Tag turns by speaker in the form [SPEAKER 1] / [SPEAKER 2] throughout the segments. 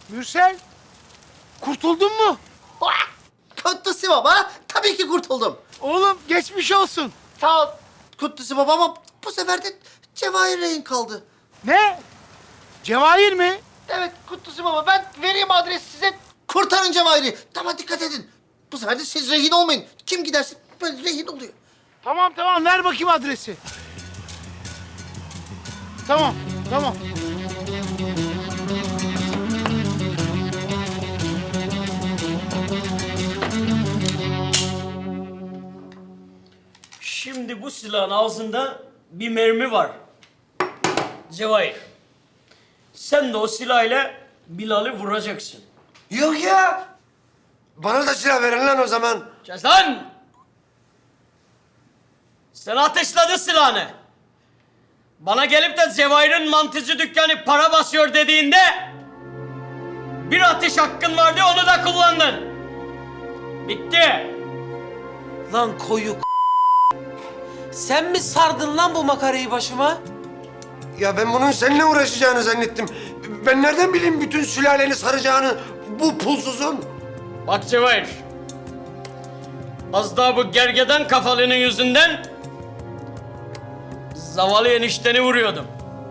[SPEAKER 1] Mürsel, kurtuldun mu?
[SPEAKER 2] Kutlusu baba, tabii ki kurtuldum.
[SPEAKER 1] Oğlum geçmiş olsun.
[SPEAKER 2] Sağ ol Kutlusu baba ama bu sefer de Cevahir rehin kaldı.
[SPEAKER 1] Ne? Cevahir mi?
[SPEAKER 2] Evet Kutlusu baba, ben vereyim adresi size. Kurtarın Cevahir'i. Ama dikkat edin. Bu sefer de siz rehin olmayın. Kim giderse böyle rehin oluyor.
[SPEAKER 1] Tamam, ver bakayım adresi. Tamam.
[SPEAKER 3] Şimdi bu silahın ağzında bir mermi var. Cevahir. Sen de o silahla Bilal'i vuracaksın.
[SPEAKER 4] Yok ya. Bana da silah verin lan o zaman.
[SPEAKER 3] Kes lan! Sen ateşledin silahını. Bana gelip de Cevahir'in mantıcı dükkanı para basıyor dediğinde... ...bir atış hakkın vardı, onu da kullandın. Bitti.
[SPEAKER 5] Lan koyu Sen mi sardın lan bu makarayı başıma?
[SPEAKER 4] Ya ben bunun seninle uğraşacağını zannettim. Ben nereden bileyim bütün sülaleni saracağını bu pulsuzun?
[SPEAKER 3] Bak Cevahir. Az daha bu gergedan kafalının yüzünden... ...zavallı enişteni vuruyordum.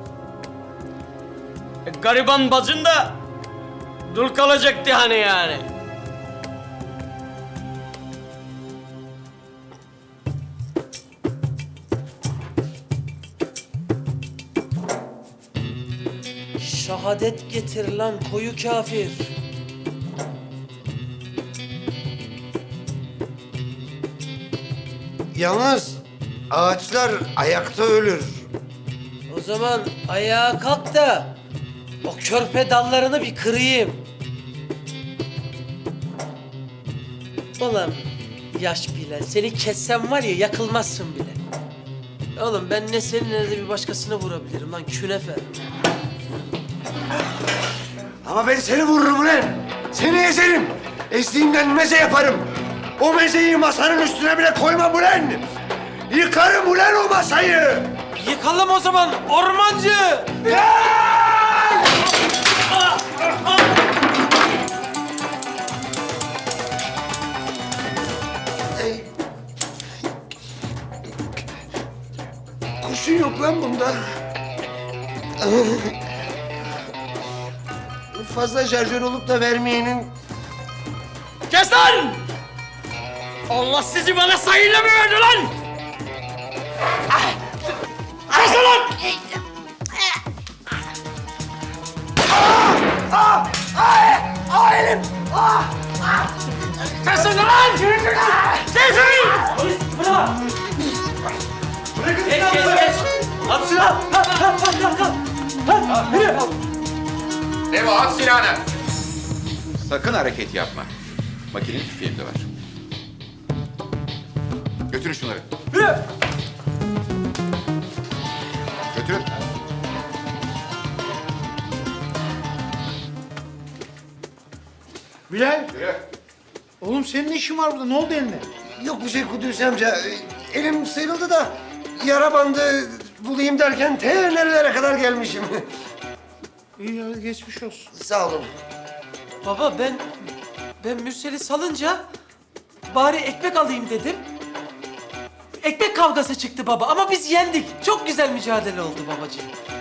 [SPEAKER 3] Gariban bacın da... ...dul kalacaktı hani yani.
[SPEAKER 5] Şehadet getir lan koyu kafir.
[SPEAKER 4] Yalnız ağaçlar ayakta ölür.
[SPEAKER 5] O zaman ayağa kalk da o körpe dallarını bir kırayım. Ulan yaş Bilal, seni kessem var ya yakılmazsın bile. Oğlum ben ne senin ne de bir başkasını vurabilirim lan künefe.
[SPEAKER 4] Ama ben seni vururum lan. Seni ezerim. Ezdiğimden meze yaparım. O mezeyi masanın üstüne bile koymam ulan. Yıkarım ulan o masayı.
[SPEAKER 5] Yıkalım o zaman ormancı.
[SPEAKER 4] Kurşun yok lan bunda. Fazla şarjör olup da vermeyenin...
[SPEAKER 3] Kes lan! Allah sizi bana sayıyla mı verdi lan? Kes lan!
[SPEAKER 4] Elim!
[SPEAKER 3] Kesin lan! Kesin! Geç. At silah!
[SPEAKER 6] Devo at silahını. Sakın hareket yapma. Makinenin tüfeğim de var. Götürün şunları. Götürün.
[SPEAKER 1] Bilal,
[SPEAKER 6] Yürü.
[SPEAKER 1] oğlum senin ne işin var burada? Ne oldu eline?
[SPEAKER 4] Yok bir şey Kudüs amca. Elim sıyrıldı da yara bandı bulayım derken nerelere kadar gelmişim.
[SPEAKER 1] İyi hadi geçmiş olsun.
[SPEAKER 4] Sağ olun.
[SPEAKER 5] Baba ben Mürsel'i salınca bari ekmek alayım dedim. Ekmek kavgası çıktı baba ama biz yendik. Çok güzel mücadele oldu babacığım.